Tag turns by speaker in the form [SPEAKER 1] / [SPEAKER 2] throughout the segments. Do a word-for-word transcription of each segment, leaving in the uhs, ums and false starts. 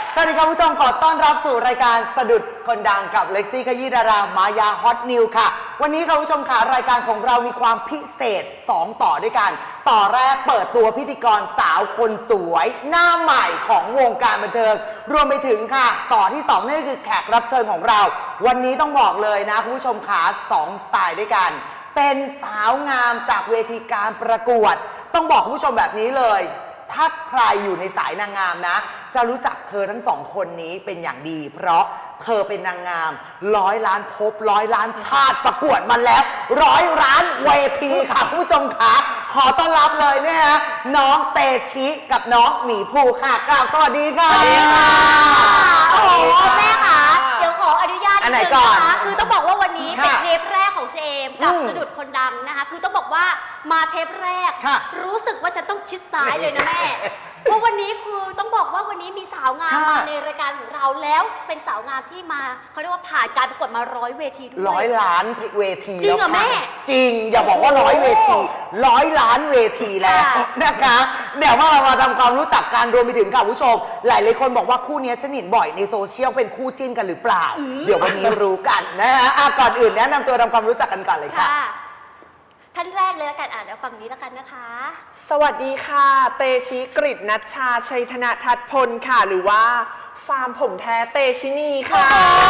[SPEAKER 1] สวัสดีครับผู้ชมขอต้อนรับสู่รายการสะดุดคนดังกับเล็กซี่ขยี้ดารามายาฮอตนิวค่ะวันนี้ค่ะผู้ชมค่ะรายการของเรามีความพิเศษสองต่อด้วยกันต่อแรกเปิดตัวพิธีกรสาวคนสวยหน้าใหม่ของวงการบันเทิงรวมไปถึงค่ะต่อที่สองนี่คือแขกรับเชิญของเราวันนี้ต้องบอกเลยนะคุณผู้ชมค่ะสองสไตล์ด้วยกันเป็นสาวงามจากเวทีการประกวดต้องบอกคุณผู้ชมแบบนี้เลยถ้าใครอยู่ในสายนางงามนะจะรู้จักเธอทั้งสองคนนี้เป็นอย่างดีเพราะเธอเป็นนางงามร้อยล้านภพร้อยล้านชาติประกวดมาแล้วร้อยล้านเวทีค่ะคุณผู้ชมคะขอต้อนรับเลยเนี่ยนะน้องเตชิกับน้องหมีภูค่ะกราบสวัสดีค่ะ
[SPEAKER 2] สวัสดีค่ะโอ้โหแม่ค่ะเดี๋ยวขออนุญาตนิดนึงนะคะคือต้องบอกว่าวันนี้เป็นเทปแรกของเชมกับสะดุดคนดังนะคะคือต้องบอกว่ามาเทปแรกรู้สึกว่าจะต้องชิดซ้ายเลยนะแม่เพราะวันนี้คือต้องบอกว่าวันนี้มีสาวงามมาในรายการของเราแล้วเป็นสาวงามที่มาเขาเรียกว่าผ่านการประกวดมาร้อยเวทีด้วย
[SPEAKER 1] ร้อยล้านเวที
[SPEAKER 2] จริงเหรอแม่
[SPEAKER 1] จริงอย่าบอกว่าร้อยเวทีร้อยล้านเวทีแล้วนะคะเดี๋ยวว่าเรามาทำความรู้จักกันรวมไปถึงค่ะผู้ชมหลายๆคนบอกว่าคู่นี้ฉันเห็นบ่อยในโซเชียลเป็นคู่จิ้นกันหรือเปล่าเดี๋ยววันนี้รู้กันนะฮะก่อนอื่นแนะนำตัวทำความรู้จักกันก่อนเลยค่ะ
[SPEAKER 2] ท่านแรกเลยละกันอ่านแล้วฝั่งนี้ละกันนะคะ
[SPEAKER 3] สวัสดีค่ะเตชิกฤตนัชชาชัยธนทัศน์พลค่ะหรือว่าฟาร์มผมแท้เตชินีค่ะ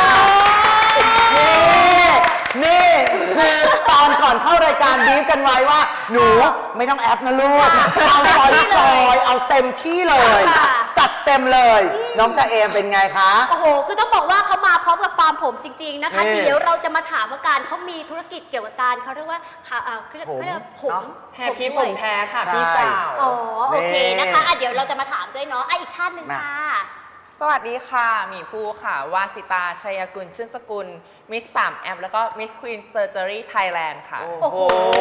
[SPEAKER 1] นี่คือตอนก่อนเข้ารายการบีฟกันไว้ว่าหนูไม่ต้องแอปนะลูกเอาซอยจอยเอาเต็มที่เลยจัดเต็มเลยน้องชาเอมเป็นไงคะ
[SPEAKER 2] โอ้โหคือต้องบอกว่าเขามาพร้อมกับฟาร์มผมจริงๆนะคะเดี๋ยวเราจะมาถามว่าการเขามีธุรกิจเกี่ยวกับการเขาเรียกว่าเขาเรียกว่าผม
[SPEAKER 3] แฮปปี้ผมแท้ค่ะพี่สาว
[SPEAKER 2] อ๋อโอเคนะคะเดี๋ยวเราจะมาถามด้วยเนาะอีกท่านหนึ่งค่ะ
[SPEAKER 4] สวัสดีค่ะหมีภูค่ะวาสิตาชัยกุลชื่นสกุลมิสสามแอปแล้วก็มิสควีนเซอร์เจอรี่ไทยแลนด์ค่ะ
[SPEAKER 1] โอ้โห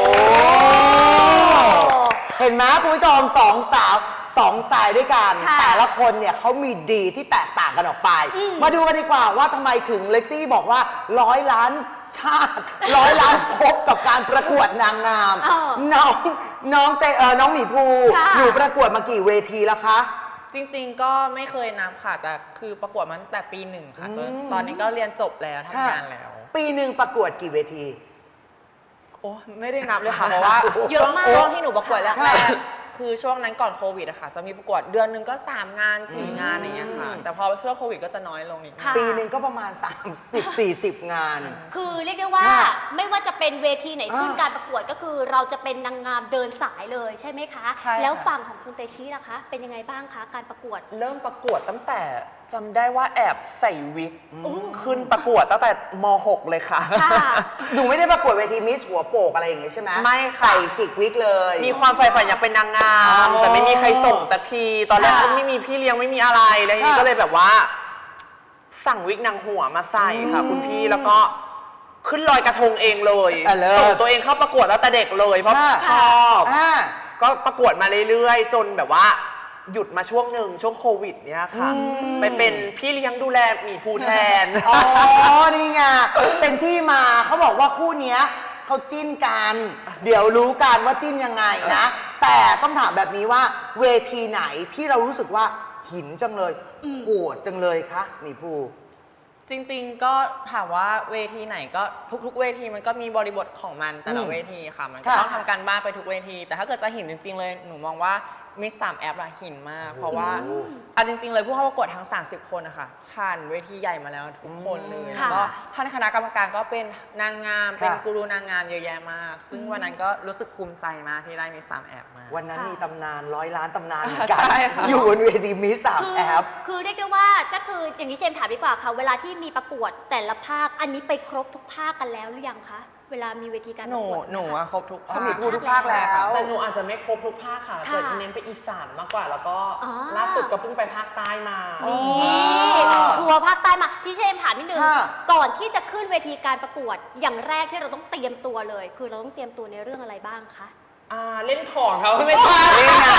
[SPEAKER 1] เห็นไหมคุณผู้ชมสองสาวสองสายด้วยกันแต่ละคนเนี่ยเขามีดีที่แตกต่างกันออกไปมาดูกันดีกว่าว่าทำไมถึงเล็กซี่บอกว่าร้อยล้านชาติร้อยล้านพบกับการประกวดนางงามน้องน้องเตเออน้องหมีภูอยู่ประกวดมากี่เวทีแล้วคะ
[SPEAKER 4] จริงๆก็ไม่เคยนับค่ะแต่คือประกวดมาตั้งแต่ปีหนึ่งค่ะจนตอนนี้ก็เรียนจบแล้วทำงานแล้ว
[SPEAKER 1] ปีหนึ่งประกวดกี่เวที
[SPEAKER 4] โอ้ไม่ได้นับเลยค่ะเพราะว่าเยอะมากช่วงที่หนูประกวดแรกคือช่วงนั้นก่อนโควิดอะค่ะจะมีประกวดเดือนหนึ่งก็สามงานสี่งานอย่างเงี้ยค่ะแต่พอช่วงโควิดก็จะน้อยลงอีก
[SPEAKER 1] ปีหนึ่งก็ประมาณสามสิบ สี่สิบงาน
[SPEAKER 2] คือเรียกได้ว่าไม่ว่าจะเป็นเวทีไหนขึ้นการประกวดก็คือเราจะเป็นนางงามเดินสายเลยใช่ไหมคะแล้วฝั่งของคุณเตชิล่ะคะเป็นยังไงบ้างคะการประกวด
[SPEAKER 3] เริ่มประกวดตั้งแต่จำได้ว่าแอบใส่วิกขึ้นประกวดตั้งแต่ม หก เลยค่ะ
[SPEAKER 1] หนูไม่ได้ประกวดเวทีมิสหัวโปกอะไรอย่างเงี้ยใช่ไหม
[SPEAKER 3] ไม่ค่ะ
[SPEAKER 1] ใส่จิกวิกเลย
[SPEAKER 3] มีความใฝ่ฝันอยากเป็นนางงามแต่ไม่มีใครส่งสักทีตอนแรกก็ไม่มีพี่เลี้ยงไม่มีอะไรแล้วทีนี้ก็เลยแบบว่าสั่งวิกนางหัวมาใส่ค่ะคุณพี่แล้วก็ขึ้นลอยกระทงเองเลยส่งตัวเองเข้าประกวดตั้งแต่เด็กเลยเพราะชอบก็ประกวดมาเรื่อยๆจนแบบว่าหยุดมาช่วงหนึ่งช่วงโควิดเนี่ยค่ะไปเป็นพี่เลี้ยงดูแลหมีภูแทน
[SPEAKER 1] อ๋อนี่ไงเป็นที่มาเขาบอกว่าคู่นี้เขาจิ้นกันเดี๋ยวรู้กันว่าจิ้นยังไงนะแต่ต้องถามแบบนี้ว่าเวทีไหนที่เรารู้สึกว่าหินจังเลยโหดจังเลยคะหมีภู
[SPEAKER 4] จริงๆก็ถามว่าเวทีไหนก็ทุกๆเวทีมันก็มีบริบทของมันแต่ละเวทีค่ะมันก็ต้องทำการบ้านไปทุกเวทีแต่ถ้าเกิดจะหินจริงๆเลยหนูมองว่ามิสสามแอปอะหินมากเพราะว่าเอาจริงๆเลยผู้เข้าประกวดทั้งสามสิบคนนะคะผ่านเวทีใหญ่มาแล้วทุกคนเลยแล้วก็ท่านคณะกรรมการก็เป็นนางงามเป็นกูรูนางงามเยอะแยะมากซึ่งวันนั้นก็รู้สึกภูมิใจมากที่ได้มิสสามแอปมา
[SPEAKER 1] วันนั้นมีตำนานร้อยล้านตำนานเหมือนกันอยู่บนเวทีมิสสามแอป
[SPEAKER 2] คือเรียกได้ว่าก็คืออย่างนี้เชมถามดีกว่าค่ะเวลาที่มีประกวดแต่ละภาคอันนี้ไปครบทุกภาคกันแล้วหรือยังคะเวลามีเวทีการประกวด
[SPEAKER 4] หนูอะครบทุกภาค
[SPEAKER 1] ทุกภาคแล้ว
[SPEAKER 3] แต่หนูอาจจะไม่ครบทุกภาคค่ะจะเน้นไปอีสานมากกว่าแล้วก็ล่าสุดก็เพิ่งไปภาคใต้มา
[SPEAKER 2] นี่ทัวร์ภาคใต้มาที่เชมถามนิดนึงก่อนที่จะขึ้นเวทีการประกวดอย่างแรกที่เราต้องเตรียมตัวเลยคือเราต้องเตรียมตัวในเรื่องอะไรบ้างคะ
[SPEAKER 3] อ่าเล่นของเขาไม่ใช่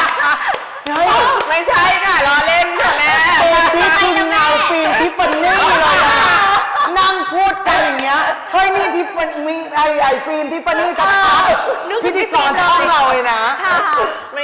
[SPEAKER 3] ไม่ใช่ค่ะล้อเล่นค่ะแม่
[SPEAKER 1] ที่คุณเงาฟิล์มที่ปนนี่เลยนั่งพูดกันอย่างเงี้ยเฮ้ยนี่ที่มีไอไอฟิล์มที่ปนนี่กับพิธีกรช่องเราเลยนะ
[SPEAKER 3] ไม่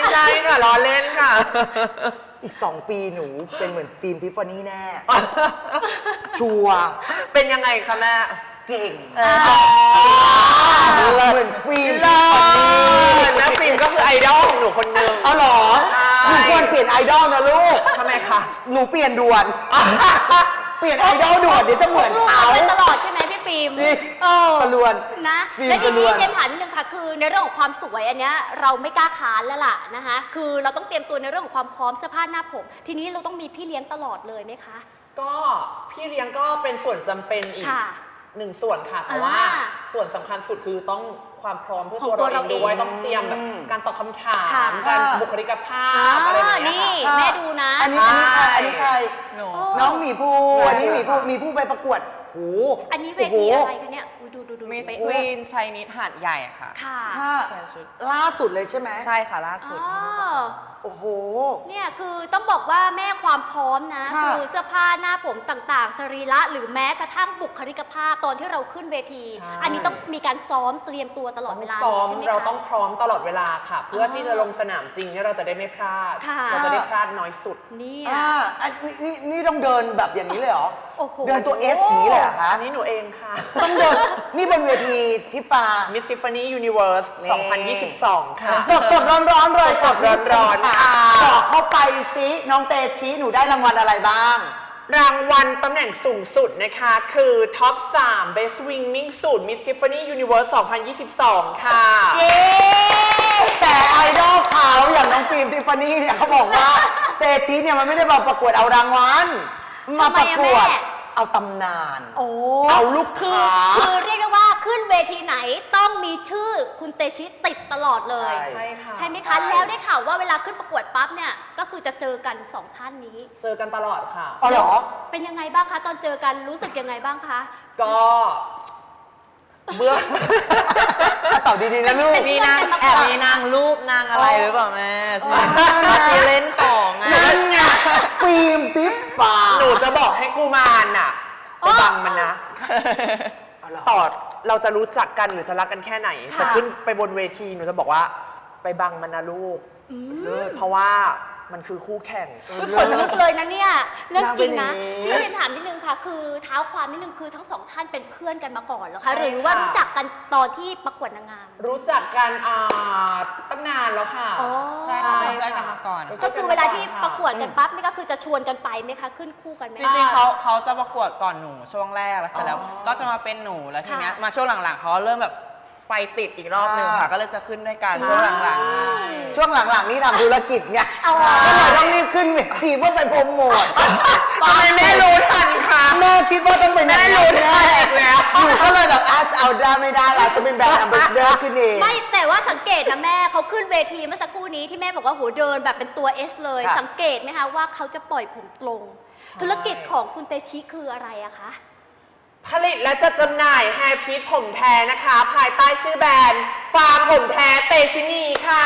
[SPEAKER 3] ใช่ค่ะล้อเล่นค่ะ
[SPEAKER 1] อีกสองปีหนูเป็นเหมือนฟิล์มทิฟฟานี่แน่ ชัวร์
[SPEAKER 3] เป็นยังไงคะแม่
[SPEAKER 1] เก่ง
[SPEAKER 4] เออ
[SPEAKER 1] เหมือนฟิล์ม
[SPEAKER 3] เลิ
[SPEAKER 1] ทิฟฟานี่
[SPEAKER 3] ศแล้วฟิล์มก็คือไอดอลของหนูคนหนึ่ง
[SPEAKER 1] เอาเหรอ
[SPEAKER 3] ใช่
[SPEAKER 1] หนูควรเปลี่ยนไอดอลนะลูก
[SPEAKER 3] ทำไมคะ
[SPEAKER 1] หนูเปลี่ยนด่วน เปลี่ยนไอดอลด่วนเดี๋ยวจะเหมือน
[SPEAKER 2] ลูก
[SPEAKER 1] เขา
[SPEAKER 2] ๆเป็นตลอดใช่ไหมพี่ฟิล์ม
[SPEAKER 1] จริง
[SPEAKER 2] เออ
[SPEAKER 1] สลวน
[SPEAKER 2] นะ
[SPEAKER 1] ฟิล์ม
[SPEAKER 2] และที
[SPEAKER 1] สล
[SPEAKER 2] นี้
[SPEAKER 1] วน
[SPEAKER 2] เจมส์ถามนิดนึงค่ะ คือในเรื่องของความสวยอันเนี้ยเราไม่กล้าค้านแล้วล่ะนะคะ คือเราต้องเตรียมตัวในเรื่องของความพร้อมเสื้อผ้าหน้าผม ทีนี้เราต้องมีพี่เลี้ยงตลอดเลยไหมคะ
[SPEAKER 3] ก็พี่เลี้ยงก็เป็นส่วนจำเป็นอีก
[SPEAKER 2] ค่ะ
[SPEAKER 3] หนึ่งส่วนค่ะ แต่ว่า
[SPEAKER 2] อ่า
[SPEAKER 3] ส่วนสำคัญสุดคือต้องความพร้อมเพื่อ
[SPEAKER 2] ของ
[SPEAKER 3] ตัว
[SPEAKER 2] ตัว
[SPEAKER 3] เราเองด้วย
[SPEAKER 2] เราเอง
[SPEAKER 3] ต้องเตรียมแบบการตอบคำถาม
[SPEAKER 2] ค่ะ
[SPEAKER 3] การ
[SPEAKER 1] ค่ะ
[SPEAKER 3] บุคลิกภา
[SPEAKER 2] อ่า
[SPEAKER 3] พอะไรแบบเนี้
[SPEAKER 2] นี่
[SPEAKER 3] ยค่ะ
[SPEAKER 2] แม่ดูนะ
[SPEAKER 1] อันนี้อันนี้ใครอันนี้ใคร
[SPEAKER 4] หนู
[SPEAKER 2] โอ้
[SPEAKER 1] น้องหมีภู
[SPEAKER 4] ใช่
[SPEAKER 1] อันนี้หมีภูหมีภูไปประกวดโห
[SPEAKER 2] อันนี้เวทีอะไรคะเนี่ยอุ๊ยดูดูดู
[SPEAKER 4] มิส
[SPEAKER 2] เป๊ะ
[SPEAKER 4] ควีนชัยนิดหาดใหญ่ค่ะ
[SPEAKER 2] ค่ะ
[SPEAKER 1] ถ้า
[SPEAKER 4] ใส่ชุด
[SPEAKER 1] ล่าสุดเลยใช่ไหม
[SPEAKER 4] ใช่ค่ะล่าสุด
[SPEAKER 2] อ๋อ
[SPEAKER 1] โอ้โห
[SPEAKER 2] เนี่ยคือต้องบอกว่าแม่ความพร้อมนะ
[SPEAKER 1] ค่ะ
[SPEAKER 2] คือเสื้อผ้าหน้าผมต่างๆ สรีระหรือแม้กระทั่งบุคลิกภาพตอนที่เราขึ้นเวที
[SPEAKER 3] ใช่
[SPEAKER 2] อันนี้ต้องมีการซ้อมเตรียมตัวตลอด
[SPEAKER 3] ต้อง
[SPEAKER 2] เวลา
[SPEAKER 3] ซ้อม
[SPEAKER 2] ใช่ไหมคะ
[SPEAKER 3] เราต้องพร้อมตลอดเวลาค่ะ เพื่อที่จะลงสนามจริงเนี่ยเราจะได้ไม่พลาด
[SPEAKER 2] ค่ะ
[SPEAKER 3] เราจะได้พลาดน้อยสุด
[SPEAKER 2] เนี่ย
[SPEAKER 1] อ่าอันนี้นี่นี่ต้องเดินแบบอย่างนี้เลยเหรอ
[SPEAKER 2] โอ้โห
[SPEAKER 1] เดินตัวเอสอย่างนี้เลยเหรอคะ
[SPEAKER 3] อันนี้หนูเองค่ะ
[SPEAKER 1] ต้องเดิน นี่บนเวทีทิฟา
[SPEAKER 3] Miss Tiffany Universe
[SPEAKER 1] นี่
[SPEAKER 3] สองพันยี่สิบสอง ค่ะ
[SPEAKER 1] สดสดร้อนร้อนๆเลย
[SPEAKER 3] สดๆร้อนๆ
[SPEAKER 1] ค่ะ
[SPEAKER 3] ค่ะ
[SPEAKER 1] บอกเข้าไปซิน้องเตชิหนูได้รางวัลอะไรบ้าง
[SPEAKER 3] รางวัลตำแหน่งสูงสุดนะคะ คือ Top สาม Best Swimming Suit Miss Tiffany Universe สองพันยี่สิบสอง ค่ะ
[SPEAKER 2] เย้
[SPEAKER 1] แต่ไอดอลเขาอย่างน้องฟิล์มทิฟฟานี่เนี่ยเขาบอกว่า เตชิเนี่ยมันไม่ได้มาประกวดเอารางวัลมาประกวดเอาตำนาน
[SPEAKER 2] โอ้
[SPEAKER 1] เอาลูก
[SPEAKER 2] คือ
[SPEAKER 1] ค้า
[SPEAKER 2] คือเรียกได้ว่าขึ้นเวทีไหนต้องมีชื่อคุณเตชิติดตลอดเลย
[SPEAKER 1] ใช่
[SPEAKER 3] ใช่ค่ะ
[SPEAKER 2] ใช่ไหมคะ แล้วได้ข่าวว่าเวลาขึ้นประกวดปั๊บเนี่ยก็คือจะเจอกันสองท่านนี้
[SPEAKER 3] เจอกันตลอดค่ะ
[SPEAKER 1] อ๋อเหรอ
[SPEAKER 2] เป็นยังไงบ้างคะตอนเจอกันรู้สึกยังไงบ้างคะ
[SPEAKER 3] ก็เบื้อง
[SPEAKER 1] ตอบดีๆนะลูก
[SPEAKER 2] เป็น
[SPEAKER 4] มีนางแอบมีนางรูปนางอะไรหรือเปล่าแม่ใช่ไหม
[SPEAKER 1] อ๋อ
[SPEAKER 4] มาตีเล่นของไง
[SPEAKER 1] นั่นไงฟิล์มทิฟฟา
[SPEAKER 3] หนูจะบอกให้กูมารน่ะไปบังมันนะ
[SPEAKER 1] เอาเหรอ
[SPEAKER 3] ต่อเราจะรู้จักกันหรือจะรักกันแค่ไหน
[SPEAKER 2] ค่ะ
[SPEAKER 3] แต่ขึ้นไปบนเวทีหนูจะบอกว่าไปบังมันนะลูกเลิศเพราะว่ามันคือคู่แข่ง
[SPEAKER 2] อุ๊ยขนลุกเลยนะเนี่ยเรื่องจริงนะ
[SPEAKER 1] นางเป็นอย่างนี้
[SPEAKER 2] ที่เรียนถามนิดนึงค่ะ คือเท้าความนิดนึงคือทั้งสองท่านเป็นเพื่อนกันมาก่อนเหรอ
[SPEAKER 3] ใช่
[SPEAKER 2] คะ
[SPEAKER 3] ค่ะ
[SPEAKER 2] หรือว่ารู้จักกันตอนที่ประกวดนางงาม
[SPEAKER 3] รู้จักกันอ่าตั้งนานแล้วค่ะ
[SPEAKER 2] อ๋อ
[SPEAKER 4] ใช่ค่ะเป็นเพื่อนกันมาก่อน
[SPEAKER 2] ก็คือเวลาที่ประกวดกันปั๊บนี่ก็คือจะชวนกันไปไหมคะ ขึ้นคู่กันไหม
[SPEAKER 4] จริงๆเขาเขาจะประกวดก่อนหนูช่วงแรกแล้วเสร็จแล้ว
[SPEAKER 3] อ๋อ
[SPEAKER 4] ก็จะมาเป็นหนูแล้วทีเนี้ย
[SPEAKER 2] ค่ะ
[SPEAKER 4] มาช่วงหลังๆเขาเริ่มแบบไฟติดอีกรอบหนึ่งค่ะ ก็เลยจะขึ้นด้วยกันช่วงหลังๆ
[SPEAKER 1] ช่วงหลังๆนี่ทำธุรกิจไง
[SPEAKER 2] เอา
[SPEAKER 1] ก็เลยต้องรีบขึ้นเวทีเพื่อไปโปรโมท
[SPEAKER 3] ทำไมแม่รู้ทันคะ
[SPEAKER 1] แม่คิดว่าต้องเป็น
[SPEAKER 3] แม่รู้ทันอีกแล้ว
[SPEAKER 1] หนูก็เลยแบบอาจเอาได้ไม่ได้เราจะเป็นแบรนด์แอมบาสเดอร์ขึ้นเอง
[SPEAKER 2] ไม่แต่ว่าสังเกตนะแม่เขาขึ้นเวทีเมื่อสักครู่นี้ที่แม่บอกว่าโหเดินแบบเป็นตัว S เลย
[SPEAKER 1] ค่ะ
[SPEAKER 2] สังเกตไหมคะว่าเขาจะปล่อยผมตรง ธุรกิจของคุณเตชิคืออะไรอะคะ
[SPEAKER 3] ผลิตและจัดจำหน่ายแฮร์พีทผมแท้นะคะ ภายใต้ชื่อแบรนด์ฟาร์มผมแท้เตชินีค่ะ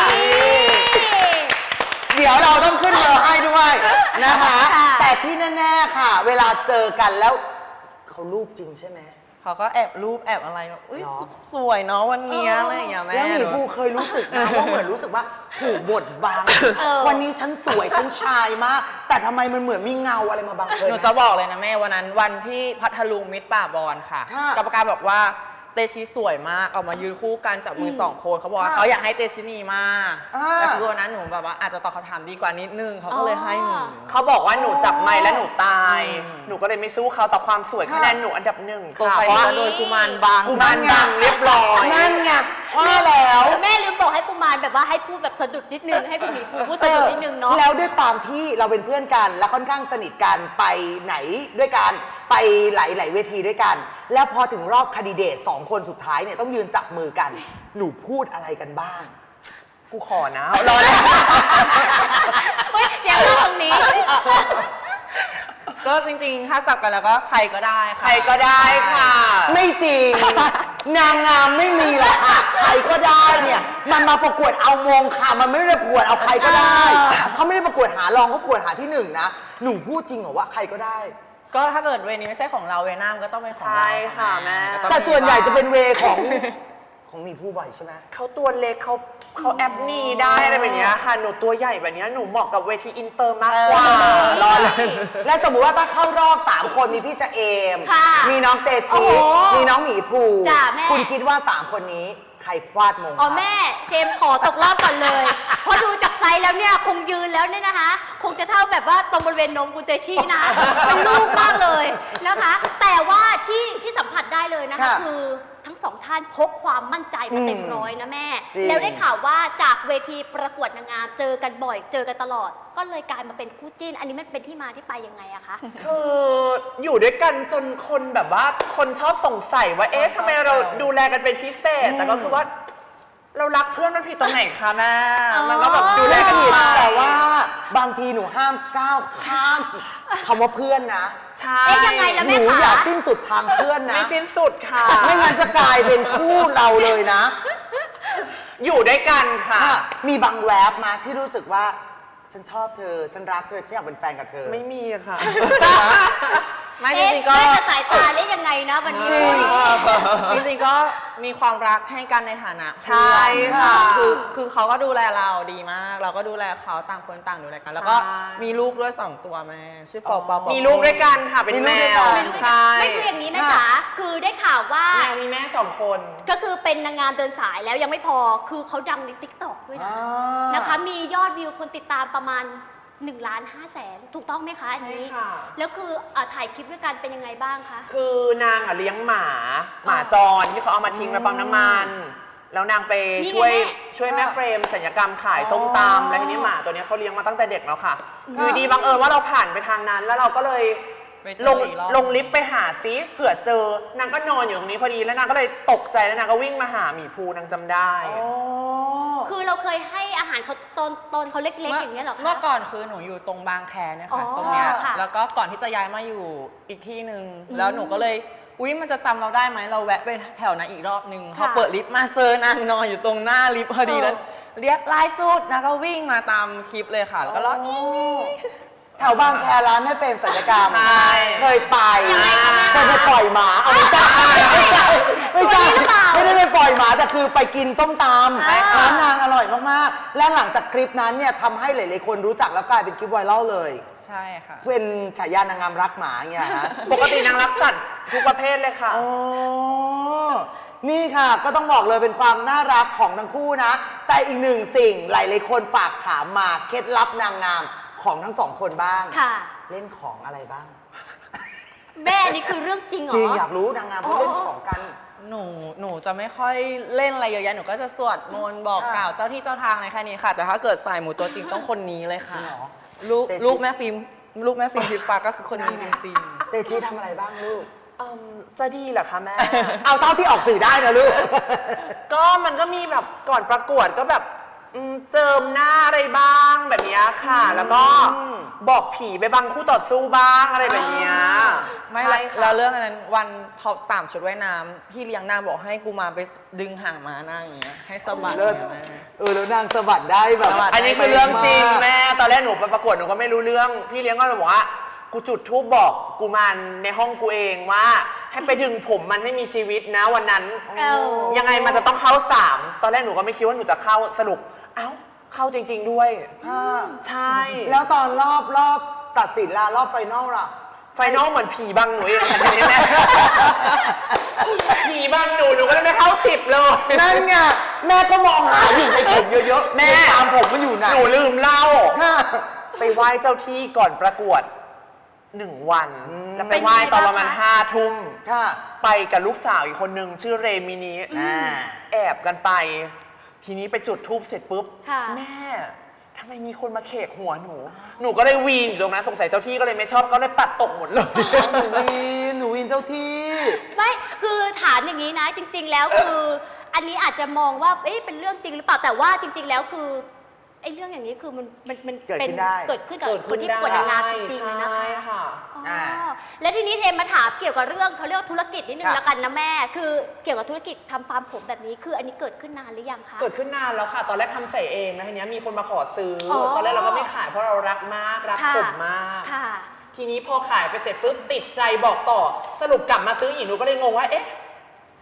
[SPEAKER 1] เดี๋ยวเราต้องขึ้นเบอร์ให้ด้วยนะคะ
[SPEAKER 2] ค่ะ
[SPEAKER 1] แต่ที่แน่ๆค่ะ เวลาเจอกันแล้วเขารูปจริงใช่ไหม
[SPEAKER 4] เขาก็แอบรูปแอบอะไรแบบอุ้ย
[SPEAKER 1] เนาะ
[SPEAKER 4] สวยเนาะวันเนี้ยอะไรอย่างเงี้ยแม่
[SPEAKER 1] แล้วหมีภูเคยรู้สึกนะว่าเหมือนรู้สึกว่าถูกบดบัง
[SPEAKER 2] เออ
[SPEAKER 1] วันนี้ฉันสวยฉันชายมาก แต่ทำไมมันเหมือนมีเงาอะไรมาบังเคย
[SPEAKER 4] หนู
[SPEAKER 1] ไหม
[SPEAKER 4] จะบอกเลยนะแม่วันนั้นวันที่พัทลุงมิตรป่าบอลค่ะ
[SPEAKER 1] ค่ะ
[SPEAKER 4] กรรมการบอกว่าเตชิสวยมากเอามายืนคู่กันจับมือสองคนเขาบอกว่า
[SPEAKER 1] ค่ะ
[SPEAKER 4] เขาอยากให้เตชินีมาก
[SPEAKER 1] อ่า
[SPEAKER 4] แต่คือวันนั้นหนูแบบว่าอาจจะตอบคำถามดีกว่านิดนึงเขาก็เลยให้หนู
[SPEAKER 3] เขาบอกว่าหนูจับไม้และหนูตาย
[SPEAKER 4] อืม
[SPEAKER 3] หนูก็เลยไม่สู้เขาแต่ความสวยคะแนนหนูอันดับหนึ่ง
[SPEAKER 4] ตัว
[SPEAKER 3] ค่ะ
[SPEAKER 4] ไฟ
[SPEAKER 3] เพราะ
[SPEAKER 4] นี้
[SPEAKER 3] ว่า
[SPEAKER 4] ก็โดนกุมารบาง
[SPEAKER 3] กุมารบังเรียบร้อย
[SPEAKER 1] นั่นไงว่าแล้ว
[SPEAKER 2] แม่ลืมบอกให้กุมารแบบว่าให้พูดแบบสะดุดนิดนึงให้คุณหมีภูพูดสะดุดนิดนึงเนาะ
[SPEAKER 1] แล้วด้วยความที่เราเป็นเพื่อนกันและค่อนข้างสนิทกันไปไหนด้วยกันไปหลายๆเวทีด้วยกัน แล้วพอถึงรอบคดีเดตสองคนสุดท้ายเนี่ยต้องยืนจับมือกัน หนูพูดอะไรกันบ้าง
[SPEAKER 3] กูขอนะรอเลย
[SPEAKER 2] เฮ้ยเสียงเราตรงนี้
[SPEAKER 4] ก็จริงๆ ถ้าจับกันแล้วก็ใครก็ได้ค่ะ
[SPEAKER 3] ใครก็ได้ค่ะ
[SPEAKER 1] ไม่จริง นางงามไม่มีหรอกค่ะใครก็ได้เนี่ยมันมาประกวดเอามงค่ะมันไม่ได้ประกวดเอาใครก็ได้
[SPEAKER 2] เออ
[SPEAKER 1] เขาไม่ได้ประกวดหารองเขาประกวดหาที่หนึ่งนะหนูพูดจริงเหรอว่าใครก็ได้
[SPEAKER 4] ก็ถ้าเกิดเวรนี้ไม่ใช่ของเราเวรหน้ามันก็ต้องเป็นของเรา
[SPEAKER 3] ใช่ค่ะแม่
[SPEAKER 4] ก็ต้อง
[SPEAKER 1] แต่ส่วนใหญ่จะเป็นเวของของหมีผู้บ่อยใช่ไหม
[SPEAKER 3] เขาตัวเล็กเขาเขาแอปนีได้อะไรแบบเนี้ยค่ะหนูตัวใหญ่แบบเนี้ยหนูเหมาะกับเวทีอินเตอร์มากกว่า
[SPEAKER 1] เออ
[SPEAKER 3] รอเลย
[SPEAKER 1] และสมมุติว่าถ้าเข้ารอบสามคนมีพี่ชะเอม
[SPEAKER 2] ค่ะ
[SPEAKER 1] มีน้องเต
[SPEAKER 2] โอ้
[SPEAKER 1] ชิ
[SPEAKER 2] โห
[SPEAKER 1] มีน้องหมีภู
[SPEAKER 2] จ้ะแม่
[SPEAKER 1] คุณคิดว่าสามคนนี้ใครควาดมง
[SPEAKER 2] อ๋อ
[SPEAKER 1] คะ
[SPEAKER 2] แม่เชมขอตกรอบก่อนเลย เพราะดูจากไซส์แล้วเนี่ยคงยืนแล้วเนี่ยนะคะ คงจะเท่าแบบว่าตรงบริเวณนมกุเตชีนะ เป็นลูกมากเลยนะคะ แต่ว่าที่ที่สัมผัสได้เลยนะคะ
[SPEAKER 1] ค่ะ
[SPEAKER 2] คือทั้งสองท่านพกความมั่นใจมาเต็มร้อยนะแม่
[SPEAKER 1] จริง
[SPEAKER 2] แล้วได้ข่าวว่าจากเวทีประกวดนางงามเจอกันบ่อย เจอกันตลอด ก็เลยกลายมาเป็นคู่จิ้น อันนี้มันเป็นที่มาที่ไปยังไงอะคะ
[SPEAKER 3] คืออยู่ด้วยกันจนคนแบบว่าคนชอบสงสัยว่าเอ๊ะทำไมเราดูแลกันเป็นพิเศษ แต่ก็คือว่า เรารักเพื่อนมันผิดตรงไหนคะแม่มันก็แบบดูแลกัน
[SPEAKER 1] ผิด
[SPEAKER 3] ไป
[SPEAKER 1] แต่ว่าบางทีหนูห้ามก้าวข้ามคำว่าเพื่อนนะ
[SPEAKER 3] ใช่
[SPEAKER 2] เอ๊ะยังไงล่ะ
[SPEAKER 1] ห
[SPEAKER 2] แม่
[SPEAKER 1] นู
[SPEAKER 2] คะ
[SPEAKER 1] อย่าสิ้นสุดทางเพื่อนนะ
[SPEAKER 3] ไม่สิ้นสุดค่ะ
[SPEAKER 1] ไม่งั้นจะกลายเป็นคู่เราเลยนะ
[SPEAKER 3] อยู่ด้วยกันค่ะ
[SPEAKER 1] ค่ะมีบางแวบมาที่รู้สึกว่า ฉันชอบเธอ ฉันรักเธอ ฉันอยากเป็นแฟนกับเธอ
[SPEAKER 3] ไม่มีค่ะ
[SPEAKER 4] ไม่จ
[SPEAKER 2] เอ๊ะ
[SPEAKER 4] ริงๆก็
[SPEAKER 2] แม่จะสายตาเล่ยังไงนะวันนี้
[SPEAKER 1] จริง
[SPEAKER 4] จริงๆก็มีความรักให้กันในฐานะ
[SPEAKER 3] ใช่ค่ะ
[SPEAKER 4] คือคือเขาก็ดูแลเราดีมาก เราก็ดูแลเขาต่างคนต่างดูแลกัน แล้วก็
[SPEAKER 3] ใช่
[SPEAKER 4] มีลูกด้วยสองตัวแม่ชื่อปอปอปอ
[SPEAKER 3] มีลูกด้วยกันค่ะเป็น
[SPEAKER 1] มีลู
[SPEAKER 3] แม
[SPEAKER 1] กด้วย
[SPEAKER 3] ว
[SPEAKER 1] กัน
[SPEAKER 3] ใช่
[SPEAKER 2] ไม่คืออย่างนี้นะจ๊ะคือได้ข่าวว่า
[SPEAKER 3] แมวมีแม่สองคน
[SPEAKER 2] ก็คือเป็นนางงามเดินสายแล้วยังไม่พอ คือเขาดังในติ๊กต็อกด้วยนะ
[SPEAKER 1] อ่า
[SPEAKER 2] นะคะ มียอดวิวคนติดตามประมาณ1ล้านห้าแสนถูกต้องไหมคะอันนี้
[SPEAKER 3] ใช่ค่ะ
[SPEAKER 2] แล้วคืออ่ะถ่ายคลิปด้วยกันเป็นยังไงบ้างคะ
[SPEAKER 3] คือนางอ่ะเลี้ยงหมา หมาจรที่เขาเอามาทิ้งในปั๊มน้ำมัน แล้วนางไป
[SPEAKER 2] นี่ไง
[SPEAKER 3] ช่วย
[SPEAKER 2] แม่
[SPEAKER 3] ช่วยแม่เฟรมศัลยกรรมขายส้มตำแล้วทีนี้หมาตัวเนี้ยเขาเลี้ยงมาตั้งแต่เด็กแล้วค่ะอยู่ดีบังเอิญว่าเราผ่านไปทางนั้น แล้วเราก็เลย
[SPEAKER 4] ไปเจอ
[SPEAKER 3] ลง
[SPEAKER 4] อีกรอบ
[SPEAKER 3] ลงลิฟต์ไปหาซิเผื่อเจอนางก็นอนอยู่ตรงนี้พอดีแล้วนางก็เลยตกใจแล้วนางก็วิ่งมาหาหมีภูนางจำได้
[SPEAKER 1] โอ้
[SPEAKER 2] คือเราเคยให้อาหารเขาตอนตอนเขาเล็กๆอย่างเงี้ยเหรอคะ
[SPEAKER 4] เมื่อก่อนคือหนูอยู่ตรงบางแคเนี่ย
[SPEAKER 2] อ๋
[SPEAKER 4] ค่ะ
[SPEAKER 2] อ
[SPEAKER 4] ตรงเนี้ย
[SPEAKER 2] ค่ะ
[SPEAKER 4] แล้วก็ก่อนที่จะย้ายมาอยู่อีกที่หนึ่ง
[SPEAKER 2] อืม
[SPEAKER 4] แล้วหนูก็เลยอุ้ยมันจะจำเราได้ไหมเราแวะไปแถวนั้นอีกรอบนึงพอ
[SPEAKER 2] ค่ะ
[SPEAKER 4] เปิดลิฟต์มาเจอนางนอนอยู่ตรงหน้าลิฟต์พอดี
[SPEAKER 2] เออ
[SPEAKER 4] แล้วเรียกไล่จุดนางก็วิ่งมาตามคลิปเลยค่ะแล้วก็ร้อง
[SPEAKER 1] แถวบางแคร้านแม่เฟรมศัลยกรรม
[SPEAKER 3] ใช่
[SPEAKER 1] เคยไป
[SPEAKER 2] ยังไงคะแม่
[SPEAKER 1] เคยไปปล่อยหมาเอาไม่ใช่ไม่ใช่ไม่ใช่
[SPEAKER 2] ตัวนี้หรือเปล่า
[SPEAKER 1] ไม่ได้ไปปล่อยหมาแต่คือไปกินส้มต
[SPEAKER 2] ใช่
[SPEAKER 1] ำ
[SPEAKER 2] ค่ะ
[SPEAKER 1] ร้านนางอร่อยมากๆ และหลังจากคลิปนั้นเนี่ยทำให้หลายๆคนรู้จักแล้วกลายเป็นคลิปไวรัลเลย
[SPEAKER 4] ใช่ค่ะ
[SPEAKER 1] เป็นฉายานางงามรักหมาอย่างเงี้ยฮะ
[SPEAKER 3] ปกตินางรักสัตว์ทุกประเภทเลยค่ะ
[SPEAKER 1] อ๋อ นี่ค่ะก็ต้องบอกเลยเป็นความน่ารักของทั้งคู่นะ แต่อีกหนึ่งสิ่งหลายๆคนฝากถามมาเคล็ดลับนางงามของทั้งสองคนบ้าง
[SPEAKER 2] ค่ะ
[SPEAKER 1] เล่นของอะไรบ้าง
[SPEAKER 2] แม่อันนี้คือเรื่องจริงเหรอ
[SPEAKER 1] จริงอยากรู้นางงามเขาเล่นของกัน
[SPEAKER 4] หนูหนูจะไม่ค่อยเล่นอะไรเยอะแยะหนูก็จะสวดมนต์บอก
[SPEAKER 1] ค่ะ
[SPEAKER 4] กล่าวเจ้าที่เจ้าทางอะไรแค่นี้ค่ะ แต่ถ้าเกิดสายหมูตัวจริงต้องคนนี้เลยค่ะ
[SPEAKER 1] จริงเหรอ
[SPEAKER 4] ลูก
[SPEAKER 1] เตชิ
[SPEAKER 4] ลูกแม่ฟิล์มลูกแม่ฟิล์มพิฟ้าก็คือคนนี้จริงๆ
[SPEAKER 1] เตชีทำอะไรบ้างลูก
[SPEAKER 3] เอิ่มจะดีเหรอคะแม่
[SPEAKER 1] เอาเท่าที่ออกสื่อได้นะลูก
[SPEAKER 3] ก็มันก็มีแบบก่อนประกวดก็แบบอืมเจิมหน้าอะไรบ้างแบบเนี้ยค่ะ แล้วก็บอกผีไปบังคู่ต่อสู้บ้างอะไรแบบเนี้ย
[SPEAKER 4] ไม่
[SPEAKER 3] ใช่
[SPEAKER 4] ละ
[SPEAKER 3] ค่ะ
[SPEAKER 4] แล้วเรื่องอันนั้นวันท็อปสามชุดว่ายน้ำพี่เลี้ยงนางบอกให้กูมาไปดึงห่างมาหน้าอย่างเงี้ยให้สะบัด
[SPEAKER 1] เลิศ
[SPEAKER 4] อย่างเงี้ยแม่
[SPEAKER 1] เออแล้วนางสะบัดได้แบบ
[SPEAKER 4] สะบัด
[SPEAKER 3] อันนี้คือเรื่องจริงแม่ตอนแรกหนูไปประกวดหนูก็ไม่รู้เรื่อง พี่เลี้ยงก็เลยบอกว่ากูจุดธูปบอกกูมันในห้องกูเองว่า ให้ไปดึงผมมันให้มีชีวิตนะวันนั้น
[SPEAKER 2] เอ้า
[SPEAKER 3] ยังไงมันจะต้องเข้าสามตอนแรกหนูก็ไม่คิดว่าหนูจะเข้าสรุปเอ้าเข้าจริง ๆด้วย
[SPEAKER 1] ค่ะ
[SPEAKER 3] ใช่
[SPEAKER 1] แล้วตอนรอบรอบตัดสินล่ะรอบไฟนอลล่ะ
[SPEAKER 3] ไฟนอลเหมือนผีบังหนูเองค่ะทีนี้แม่ ผีบังหนูหนูก็เลยไม่เข้าสิบเลย
[SPEAKER 1] นั่นไงแม่ก็มองหาอยู่ในผมเยอะๆ
[SPEAKER 3] แม่
[SPEAKER 1] ตามผมมันอยู่ไหน
[SPEAKER 3] หนูลืมเล่า
[SPEAKER 1] ค่ะ
[SPEAKER 3] ไปไหว้เจ้าที่ก่อนประกวดหนึ่งวัน
[SPEAKER 1] อืม
[SPEAKER 3] แล้วไปไหว้ตอนประมาณ
[SPEAKER 2] เป็นไงบ้างคะ
[SPEAKER 3] ห้าทุ่ม
[SPEAKER 1] ค่ะ
[SPEAKER 3] ไปกับลูกสาวอีกคนนึงชื่อเรมินี
[SPEAKER 1] อ่า
[SPEAKER 3] แอบกันไป ทีนี้ไปจุดธูปเสร็จปุ๊บ
[SPEAKER 2] ค่ะ
[SPEAKER 3] แม่ทำไมมีคนมาเขกหัวหนู หนูก็เลยวีนอยู่ตรงนั้นสงสัยเจ้าที่ก็เลยไม่ชอบก็เลยปัดตกหมดเลย
[SPEAKER 1] หนูวินหนูวินเจ้าที่
[SPEAKER 2] ไม่คือถามอย่างนี้นะ จริง ๆ แล้วคือ อันนี้อาจจะมองว่าเอ๊ะเป็นเรื่องจริงหรือเปล่าแต่ว่าจริง ๆ แล้วคือไอ้เรื่องอย่างนี้คือมันมันมัน
[SPEAKER 1] เกิด
[SPEAKER 2] เป็น
[SPEAKER 1] ขึ้นได้
[SPEAKER 2] เกิดขึ้นกับคนที่ประกวดนางงามจริงๆเลยนะคะ
[SPEAKER 3] ใช่ค่ะ
[SPEAKER 2] อ๋อ
[SPEAKER 1] อ่า
[SPEAKER 2] และทีนี้เทมมาถามเกี่ยวกับเรื่องเขาเรียกว่าธุรกิจนิดนึง
[SPEAKER 1] ค่ะ
[SPEAKER 2] ละกันนะแม่ คือเกี่ยวกับธุรกิจทำฟาร์มผมแบบนี้คืออันนี้เกิดขึ้นนานหรือยังคะ
[SPEAKER 3] เกิดขึ้นนานแล้วค่ะ ตอนแรกทำใส่เองนะทีนี้มีคนมาขอซื้ออ
[SPEAKER 2] อ
[SPEAKER 3] ตอนแรกเราก็ไม่ขายเพราะเรารักมากรัก
[SPEAKER 2] ค่ะ
[SPEAKER 3] ผมมาก
[SPEAKER 2] ค่ะ
[SPEAKER 3] ทีนี้พอขายไปเสร็จปุ๊บติดใจบอกต่อ สรุปกลับมาซื้ออีกหนูก็เลยงงว่าเอ๊ะ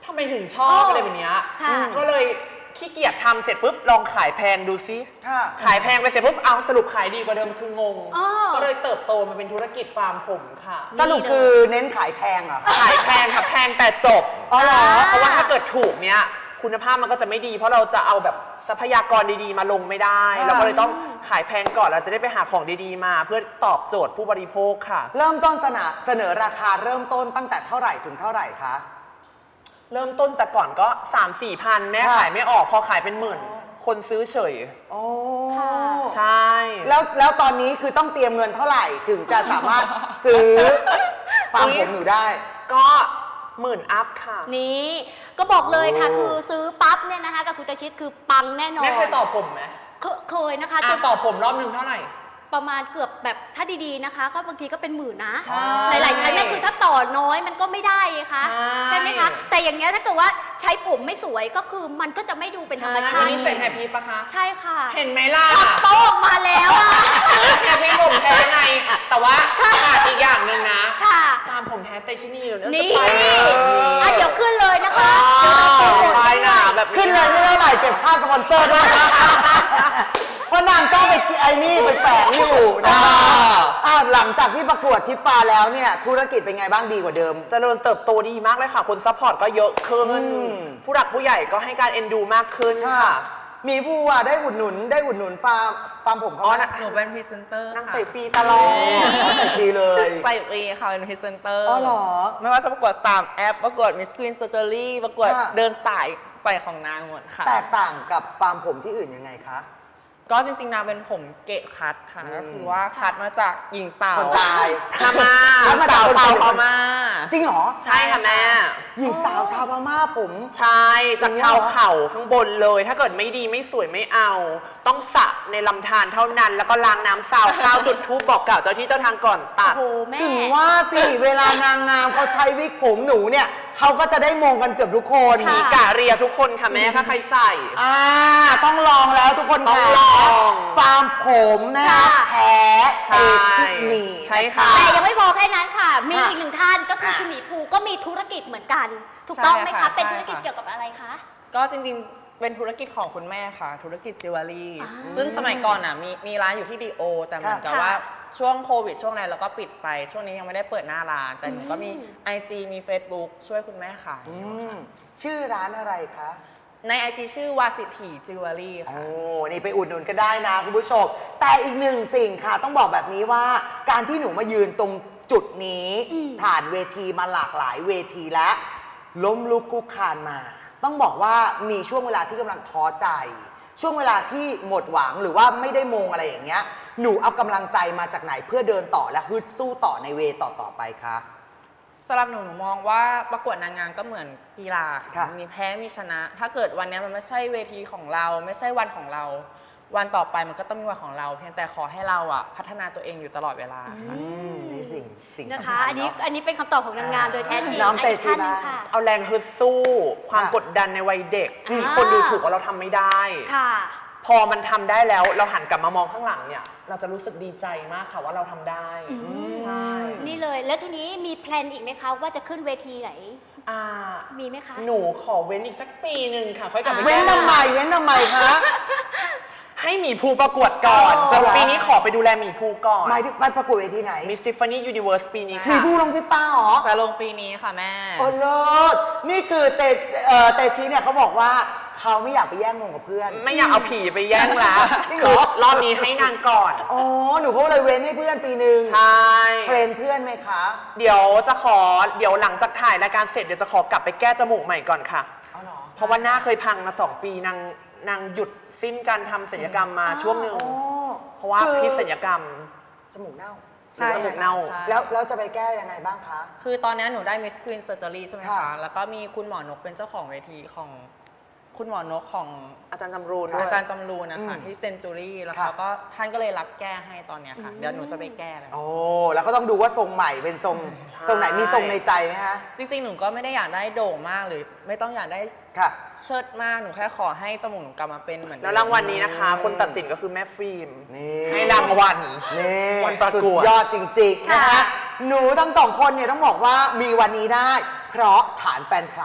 [SPEAKER 3] ทำไมถึงชอบอะไรแบบเนี้ย
[SPEAKER 2] ค่ะ
[SPEAKER 3] ก็เลยขี้เกียจทำเสร็จปุ๊บลองขายแพงดูซิ
[SPEAKER 1] ค่ะ
[SPEAKER 3] ขายแพงไปเสร็จปุ๊บเอาสรุปขายดีกว่าเดิมคืองง
[SPEAKER 2] อ๋อ
[SPEAKER 3] ก็เลยเติบโตมาเป็นธุรกิจฟาร์มผมค่ะ
[SPEAKER 1] สรุปคือเน้นขายแพงเหรอคะ
[SPEAKER 3] ขายแพงค่ะแพงแต่จบ
[SPEAKER 1] อ๋อเหรอ
[SPEAKER 3] เพราะว่าถ้าเกิดถูกเนี้ยคุณภาพมันก็จะไม่ดี เพราะเราจะเอาแบบทรัพยากรดีๆมาลงไม่ได้
[SPEAKER 1] อ่า
[SPEAKER 3] เราก็เลยต้องขายแพงก่อนเราจะได้ไปหาของดีๆมา เพื่อตอบโจทย์ผู้บริโภคค่ะ
[SPEAKER 1] เริ่มต้นเสนอเสนอราคาเริ่มต้นตั้งแต่เท่าไหร่ถึงเท่าไหร่คะ
[SPEAKER 3] เริ่มต้นแต่ก่อนก็ สามสี่พันแม่
[SPEAKER 1] ค่ะ
[SPEAKER 3] ขายไม่ออกพอขายเป็นหมื่น คนซื้อเฉย
[SPEAKER 1] โอ้
[SPEAKER 2] ค่ะ
[SPEAKER 3] ใช่
[SPEAKER 1] แล้วแล้วตอนนี้คือต้องเตรียมเงินเท่าไหร่ถึงจะสามารถซื้อฟาร์มผมหนูได้
[SPEAKER 3] ก็หมื่นอัพค่ะ
[SPEAKER 2] นี่ก็บอกเลยค่ะ
[SPEAKER 1] โอ้
[SPEAKER 2] คือซื้อปั๊บเนี่ยนะคะกับคุณตาชิดคือปังแน่นอน
[SPEAKER 3] แม่เคยต่อผมไหม
[SPEAKER 2] เคเคยนะคะ
[SPEAKER 3] อ่ะ
[SPEAKER 2] จน
[SPEAKER 3] ต่อผมรอบหนึ่งเท่าไหร่
[SPEAKER 2] ประมาณเกือบแบบถ้าดีๆนะคะ ก็บางทีก็เป็นหมื่นนะ
[SPEAKER 3] ใช่
[SPEAKER 2] หลายๆชั้นเนี่ยคือถ้าต่อน้อยมันก็ไม่ได้ไงคะ
[SPEAKER 3] ใช่
[SPEAKER 2] ใช่ไหมคะแต่อย่างเงี้ยถ้าเกิดว่าใช้ผมไม่สวยก็คือมันก็จะไม่ดูเป็นธรรมชา
[SPEAKER 3] อัน
[SPEAKER 2] ติ
[SPEAKER 3] นี้ใส่แฮปปี้ปะคะ
[SPEAKER 2] ใช่ค่ะ
[SPEAKER 3] เห็นไหมล่ะ
[SPEAKER 2] ขับโต๊ะออกมาแล้วอะ
[SPEAKER 3] แฮปปี้ผมแท้ในแต่ว่าขาดอีกอย่างหนึ่งนะ
[SPEAKER 2] ค่ะ
[SPEAKER 3] ฟาร์มผมแท้เตชินีเดี๋ยว
[SPEAKER 2] นี่
[SPEAKER 3] จะไปแบบนี้
[SPEAKER 2] อ่ะเดี๋ยวขึ้นเลยนะคะ
[SPEAKER 3] อ๋อ
[SPEAKER 2] เดี๋ยวเราโปรโมท
[SPEAKER 3] ใช่
[SPEAKER 2] ให้
[SPEAKER 3] นะ
[SPEAKER 2] ด้วย
[SPEAKER 3] แบบนี้
[SPEAKER 1] ขึ้นเลยไม่เท่าไหร่เก็บค่าสปอนเซอร์ด้วย เพราะนางจ้องไปไอ้นี่ไปแฝงอยู่นะ
[SPEAKER 3] อ่า
[SPEAKER 1] อ่าหลังจากที่ประกวดทิปฟาแล้วเนี่ยธุรกิจเป็นไงบ้างดีกว่าเดิม
[SPEAKER 3] เจริญเติบโตดีมากเลยค่ะ คนซัพพอร์ตก็เยอะขึ้น
[SPEAKER 1] อืม
[SPEAKER 3] ผู้หลักผู้ใหญ่ก็ให้การเอ็นดูมากขึ้น
[SPEAKER 1] ค่ะ
[SPEAKER 3] ค่ะ
[SPEAKER 1] มีผู้อ่ะได้อุดหนุนได้อุดหนุนฟาร์มฟาร์มผมเขา
[SPEAKER 3] อ๋อ
[SPEAKER 1] ไหม
[SPEAKER 3] นะ
[SPEAKER 4] หนูเป็นพรีเซนเตอร์
[SPEAKER 3] นั่ง
[SPEAKER 4] ค่ะ
[SPEAKER 3] ใส่ฟรีตลอด
[SPEAKER 1] ใส่ฟรีเลย
[SPEAKER 4] ใส่ฟรีค่ะเป็นพรีเซนเตอร์
[SPEAKER 1] อ๋อเหรอ
[SPEAKER 4] ไม่ว่าจะประกวดสามแอปประกวดมิสกรีนเซอร์เจอรี่ประกวด
[SPEAKER 1] ค่ะ
[SPEAKER 4] เดินสายใส่ของนางหมดค่ะ
[SPEAKER 1] แตกต่างกับฟาร์มผมที่อื่นยังไงคะ
[SPEAKER 4] ก็จริงๆนางเป็นผมเกะคัดค่ะ
[SPEAKER 1] อืม
[SPEAKER 4] ก็คือว่าคัดมาจากหญิงสาว
[SPEAKER 1] คนตาย
[SPEAKER 3] พม่า
[SPEAKER 1] แล้วมาจาก
[SPEAKER 3] สาว
[SPEAKER 1] คน
[SPEAKER 3] ชาว
[SPEAKER 1] ไทย
[SPEAKER 3] พม่า
[SPEAKER 1] จริงเหรอ
[SPEAKER 3] ใช่ค่ะแม่
[SPEAKER 1] หญิงสาวชาวพม่าผม
[SPEAKER 3] ใช่ จากชาวเขาข้างบนเลย ถ้าเกิดไม่ดีไม่สวยไม่เอา ต้องสระในลำธารเท่านั้น แล้วก็ล้างน้ำสาวข้าวจุดธูปบอกกล่าวเจ้าที่เจ้าทางก่อนตัด
[SPEAKER 2] โอ้โหแม่
[SPEAKER 1] ถึงว่าสิเวลานางงามเขาใช้วิกผมหนูเนี่ยเขาก็จะได้มงกันเกือบทุกคน
[SPEAKER 2] ค่ะ
[SPEAKER 3] มีกะเรียทุกคนค่ะแม่ถ้าใครใส่
[SPEAKER 1] อ่าต้องลองแล้วทุกคน
[SPEAKER 3] ต้อง
[SPEAKER 1] ค่ะ
[SPEAKER 3] ลอง
[SPEAKER 1] ฟาร์มผมนะคะ
[SPEAKER 2] ค่ะ
[SPEAKER 1] แท้
[SPEAKER 3] ใช่
[SPEAKER 1] เอชิมี
[SPEAKER 3] ใช่ค่ะ
[SPEAKER 2] แต่ยังไม่พอแค่นั้นค่ะ มี
[SPEAKER 1] ค่ะ
[SPEAKER 2] อีกหนึ่งท่านก็คือ
[SPEAKER 1] ค่ะ
[SPEAKER 2] คุณหมีภูก็มีธุรกิจเหมือนกัน ถูกต้องไหม
[SPEAKER 4] ใช่
[SPEAKER 2] คะ
[SPEAKER 4] ค่ะ
[SPEAKER 2] เป็น
[SPEAKER 4] ใช่
[SPEAKER 2] ธุรกิจ
[SPEAKER 4] ค่ะ
[SPEAKER 2] เกี่ยวกับอะไรคะ
[SPEAKER 4] ก็จริงๆ เป็นธุรกิจของคุณแม่ค่ะ ธุรกิจจิวเวลรี่
[SPEAKER 2] อ่า
[SPEAKER 4] ซึ่งสมัยก่อนอ่ะมีมีร้านอยู่ที่ดีโอ แต่เหมือนกับ
[SPEAKER 2] ค่ะ
[SPEAKER 4] ว่าช่วงโควิดช่วงนั้นเราก็ปิดไป ช่วงนี้ยังไม่ได้เปิดหน้าร้าน แต่หนูก็มี
[SPEAKER 2] อืม
[SPEAKER 4] ไอ จี มี Facebook ช่วยคุณแม่ขาย
[SPEAKER 1] อื
[SPEAKER 4] อยู่
[SPEAKER 1] ม
[SPEAKER 4] ค่ะ
[SPEAKER 1] ชื่อร้านอะไรคะ
[SPEAKER 4] ใน ไอ จี ชื่อวาสิถีจิวเวลรี่
[SPEAKER 1] โอ้
[SPEAKER 4] ค่ะ
[SPEAKER 1] นี่ไปอุดหนุนก็ได้นะคุณผู้ชม แต่อีกหนึ่งสิ่งค่ะ ต้องบอกแบบนี้ว่า การที่หนูมายืนตรงจุดนี้
[SPEAKER 2] อืม
[SPEAKER 1] ผ่านเวทีมาหลากหลายเวทีแล้ว ล้มลุกคลุกคลานมา ต้องบอกว่ามีช่วงเวลาที่กำลังท้อใจ ช่วงเวลาที่หมดหวังหรือว่าไม่ได้มงอะไรอย่างเงี้ย หนูเอากำลังใจมาจากไหนเพื่อเดินต่อและฮึดสู้ต่อในเวต่อต่อๆไปคะ
[SPEAKER 4] สำหรับหนูหนูมองว่าประกวดนางงามก็เหมือนกีฬา
[SPEAKER 1] ค่ะ
[SPEAKER 4] ค่ะมีแพ้มีชนะ ถ้าเกิดวันนี้มันไม่ใช่เวทีของเรา ไม่ใช่วันของเรา วันต่อไปมันก็ต้องมีวันของเรา เพียงแต่ขอให้เราอ่ะพัฒนาตัวเองอยู่ตลอดเวลาค่ะ
[SPEAKER 1] อืมนี่สิ่งสิ่ง
[SPEAKER 2] นะ
[SPEAKER 1] สำ
[SPEAKER 2] คะ
[SPEAKER 1] ญ
[SPEAKER 2] อันนี้
[SPEAKER 1] เาะ
[SPEAKER 2] อันนี้เป็นคำตอบของนางงามโดยแท้จริง
[SPEAKER 1] น้องเตชิ
[SPEAKER 2] อีกท่านหนึ่ง
[SPEAKER 1] บ้าง
[SPEAKER 2] ค่ะ
[SPEAKER 3] เอาแรงฮึดสู้ ความ
[SPEAKER 1] ค่ะ
[SPEAKER 3] กดดันในวัยเด็ก
[SPEAKER 2] อ่า
[SPEAKER 3] คนดูถูกว่าเราทำไม่ได้
[SPEAKER 2] ค่ะ
[SPEAKER 3] พอมันทำได้แล้วเราหันกลับมามองข้างหลังเนี่ย เราจะรู้สึกดีใจมากค่ะว่าเราทำได้
[SPEAKER 2] อืม
[SPEAKER 3] ใช่
[SPEAKER 2] นี่เลย แล้วทีนี้มีแพลนอีกไหมคะว่าจะขึ้นเวทีไหน
[SPEAKER 3] อ่า
[SPEAKER 2] มีไหมคะ
[SPEAKER 3] หนูขอเว้นอีกสักปีหนึ่งค่ะ ค่อยกลับไป
[SPEAKER 1] เว้น
[SPEAKER 3] แก้
[SPEAKER 1] ทำไมเว้นทำไมคะ
[SPEAKER 3] ให้หมีภูประกวดก่อน
[SPEAKER 2] อ๋อ
[SPEAKER 3] จนปีนี้ขอไปดูแลหมีภูก่อน
[SPEAKER 1] หมายถึงไปประกวดเวทีไหน
[SPEAKER 3] Miss Tiffany Universe ปีนี้
[SPEAKER 1] มี
[SPEAKER 3] ค่ะ
[SPEAKER 1] ผู้ลงที่ฟ้าเหรอ
[SPEAKER 4] จะลงปีนี้ค่ะแม่
[SPEAKER 1] โอ้เลิศนี่คือเตเอ่อเตชิเนี่ยเขาบอกว่าเขาไม่อยากไปแย่งมงกับเพื่อน
[SPEAKER 3] ไม่อยากเอาผีไปแย่งแล้ว
[SPEAKER 1] จริงเหร
[SPEAKER 3] คือ
[SPEAKER 1] อ
[SPEAKER 3] รอบนี้ให้นางก่อน
[SPEAKER 1] อ๋อ หนูก็เลยเว้นให้เพื่อนปีหนึ่ง
[SPEAKER 3] ใช่
[SPEAKER 1] เทรนเพื่อนไหมคะ
[SPEAKER 3] เดี๋ยวจะขอ เดี๋ยวหลังจากถ่ายรายการเสร็จเดี๋ยวจะขอกลับไปแก้จมูกใหม่ก่อนค่ะ
[SPEAKER 1] เอาเหรอ
[SPEAKER 3] เพราะว่าหน้าเคยพังมาสองปีนางนางหยุดสิ้นการทำศัลยกรรมมาช่วงหนึ่ง
[SPEAKER 1] อ๋อ
[SPEAKER 3] เพราะว่า
[SPEAKER 1] คือ
[SPEAKER 3] พิษศัลยกรรม
[SPEAKER 1] จมูกเน่า
[SPEAKER 4] ใช่
[SPEAKER 3] จมูกเน่า
[SPEAKER 4] ใช่
[SPEAKER 1] แล้วแล้วจะไปแก้ยังไงบ้างคะ
[SPEAKER 4] คือตอนนี้หนูได้ Miss Green Surgery ใช่ไหม
[SPEAKER 1] ค่ะ
[SPEAKER 4] คะ แล้วก็มีคุณหมอนกเป็นเจ้าของเวทีของคุณหมอนกของ
[SPEAKER 3] อาจารย์จำรูนด้วย
[SPEAKER 4] อาจารย์จำรูนนะคะ
[SPEAKER 1] อืม
[SPEAKER 4] ที่เซนจูรี่แล้ว
[SPEAKER 1] ค่ะ
[SPEAKER 4] เขาก็ท่านก็เลยรับแก้ให้ตอนเนี้ยค่ะ เดี๋ยวหนูจะไปแก้แล้ว
[SPEAKER 1] โอ้ แล้วก็ต้องดูว่าทรงใหม่เป็นทรง
[SPEAKER 3] ใช่
[SPEAKER 1] ทรงไหนมีทรงในใจไหมคะ
[SPEAKER 4] จริงๆ หนูก็ไม่ได้อยากได้โด่งมากหรือไม่ต้องอยากได้
[SPEAKER 1] ค่ะ
[SPEAKER 4] เชิดมาก หนูแค่ขอให้จมูกหนูกลับมาเป็นเหมือนเดิม
[SPEAKER 3] แล้วรางวัลนี้นะคะ คนตัดสินก็คือแม่ฟิล์ม
[SPEAKER 1] นี่
[SPEAKER 3] ให้รางวัล
[SPEAKER 1] นี่
[SPEAKER 3] วันประ
[SPEAKER 1] สุด
[SPEAKER 3] กวด
[SPEAKER 1] ยอดจริงๆนะคะ
[SPEAKER 2] ค่ะ
[SPEAKER 1] หนูทั้งสองคนเนี่ยต้องบอกว่ามีวันนี้ได้ เพราะฐานแฟนคลับ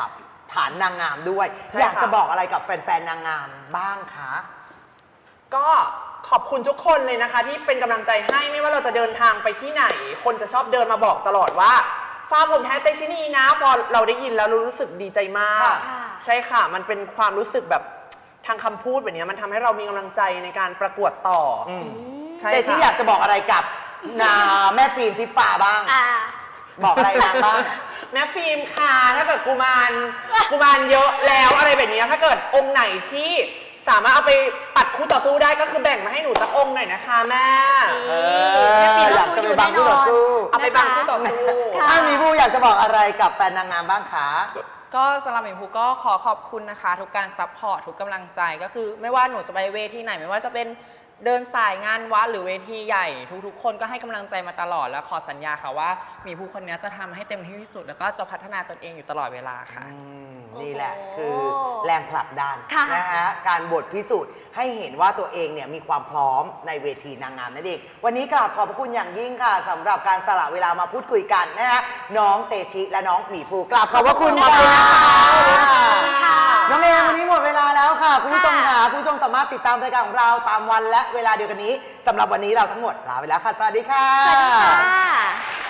[SPEAKER 1] ฐานนางงามด้วย
[SPEAKER 3] ใช่
[SPEAKER 1] อยาก
[SPEAKER 3] ค่ะ
[SPEAKER 1] จะบอกอะไรกับแฟนๆนางงามบ้างคะ
[SPEAKER 3] ก็ขอบคุณทุกคนเลยนะคะ ที่เป็นกำลังใจให้ไม่ว่าเราจะเดินทางไปที่ไหน คนจะชอบเดินมาบอกตลอดว่าฟ้าผมแท้เตชินีนะพอเราได้ยินแล้วรู้สึกดีใจมาก
[SPEAKER 1] ค่ะ
[SPEAKER 3] ใช่ค่ะ มันเป็นความรู้สึกแบบทางคำพูดแบบนี้มันทำให้เรามีกำลังใจในการประกวดต่ออ
[SPEAKER 1] ม
[SPEAKER 3] ใช่
[SPEAKER 1] เตชิอยาก
[SPEAKER 3] ค่ะ
[SPEAKER 1] จะบอกอะไรกับนาแม่ฟิล์มทิพฟ้าบ้าง
[SPEAKER 2] อ่า
[SPEAKER 1] บอกอะไรนางบ้าง
[SPEAKER 3] แม่ฟิล์มค่ะถ้าเกิดกุมารกุมารเยอะแล้วอะไรแบบนี้ถ้าเกิดองค์ไหนที่สามารถเอาไปปัดคู่ต่อสู้ได้ก็คือแบ่งมาให้หนูสักองค์หน่อยนะคะแม่
[SPEAKER 1] เอ
[SPEAKER 2] แม่ฟิล์ม
[SPEAKER 1] ออยากจะไปบังคู่ต่อสู้
[SPEAKER 3] เอาไปบังคู่ต่อสู้
[SPEAKER 2] ค่ะ
[SPEAKER 1] ถ้ามีผู้อยากจะบอกอะไรกับแฟนนางงามบ้างคะ
[SPEAKER 4] ก็สำหรับหมิวภูก็ขอขอบคุณนะคะ ทุกการซัพพอร์ตทุกกำลังใจก็คือ ไม่ว่าหนูจะไปเวทีไหนไม่ว่าจะเป็นเดินสายงานวัดหรือเวทีใหญ่ ทุกๆ คนก็ให้กำลังใจมาตลอดแล้วขอสัญญาค่ะว่าหมีภูคนนี้จะทำให้เต็มที่ที่สุด แล้วก็จะพัฒนาตนเองอยู่ตลอดเวลาค่ะ
[SPEAKER 1] อืมนี่แหละ
[SPEAKER 2] โอ้โห
[SPEAKER 1] คือแรงผลักดัน
[SPEAKER 2] ค่ะ
[SPEAKER 1] นะฮะการบทพิสูจน์ให้เห็นว่าตัวเองเนี่ยมีความพร้อมในเวทีนางงามนั่นเองวันนี้กราบขอบพระคุณอย่างยิ่งค่ะสำหรับการสละเวลามาพูดคุยกันนะฮะน้องเตชิและน้องหมีภูกราบขอบพระคุณ
[SPEAKER 2] ขอบคุณ
[SPEAKER 1] มาก
[SPEAKER 2] นะคะ
[SPEAKER 1] ค่ะน้องเอมวันนี้หมดเวลาแล้วค่ะคุณผู้ชม
[SPEAKER 2] ค่ะ
[SPEAKER 1] ค่ะคุณผู้ชมสามารถติดตามรายการของเราตามวันและเวลาเดียวกันนี้สำหรับวันนี้เราทั้งหมดลาไปแล้วค่ะสวัสดีค่ะ
[SPEAKER 2] สวัสดีค่ะ